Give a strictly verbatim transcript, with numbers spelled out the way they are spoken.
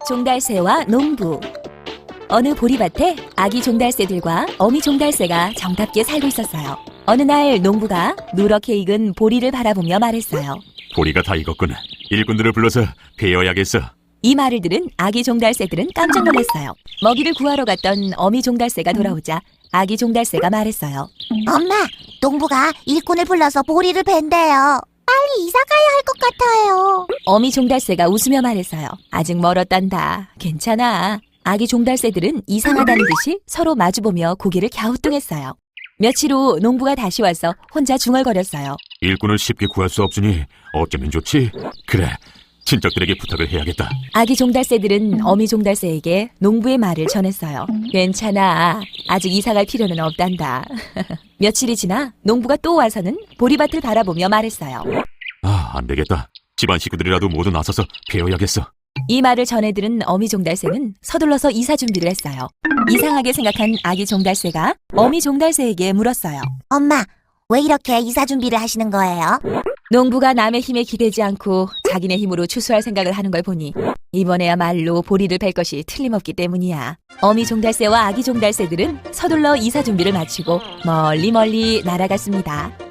종달새와 농부. 어느 보리밭에 아기 종달새들과 어미 종달새가 정답게 살고 있었어요. 어느 날 농부가 누렇게 익은 보리를 바라보며 말했어요. 보리가 다 익었군. 일꾼들을 불러서 베어야겠어. 이 말을 들은 아기 종달새들은 깜짝 놀랐어요. 먹이를 구하러 갔던 어미 종달새가 돌아오자 아기 종달새가 말했어요. 엄마, 농부가 일꾼을 불러서 보리를 벤대요. 빨리 이사 가야 할 것 같아요. 어미 종달새가 웃으며 말했어요. 아직 멀었단다. 괜찮아. 아기 종달새들은 이상하다는 듯이 서로 마주보며 고개를 갸우뚱했어요. 며칠 후 농부가 다시 와서 혼자 중얼거렸어요. 일꾼을 쉽게 구할 수 없으니 어쩌면 좋지? 그래, 친척들에게 부탁을 해야겠다. 아기 종달새들은 어미 종달새에게 농부의 말을 전했어요. 괜찮아. 아직 이사갈 필요는 없단다. 며칠이 지나 농부가 또 와서는 보리밭을 바라보며 말했어요. 아, 안 되겠다. 집안 식구들이라도 모두 나서서 베어야겠어. 이 말을 전해 들은 어미 종달새는 서둘러서 이사 준비를 했어요. 이상하게 생각한 아기 종달새가 어미 종달새에게 물었어요. 엄마, 왜 이렇게 이사 준비를 하시는 거예요? 농부가 남의 힘에 기대지 않고 자기네 힘으로 추수할 생각을 하는 걸 보니 이번에야말로 보리를 벨 것이 틀림없기 때문이야. 어미 종달새와 아기 종달새들은 서둘러 이사 준비를 마치고 멀리 멀리 날아갔습니다.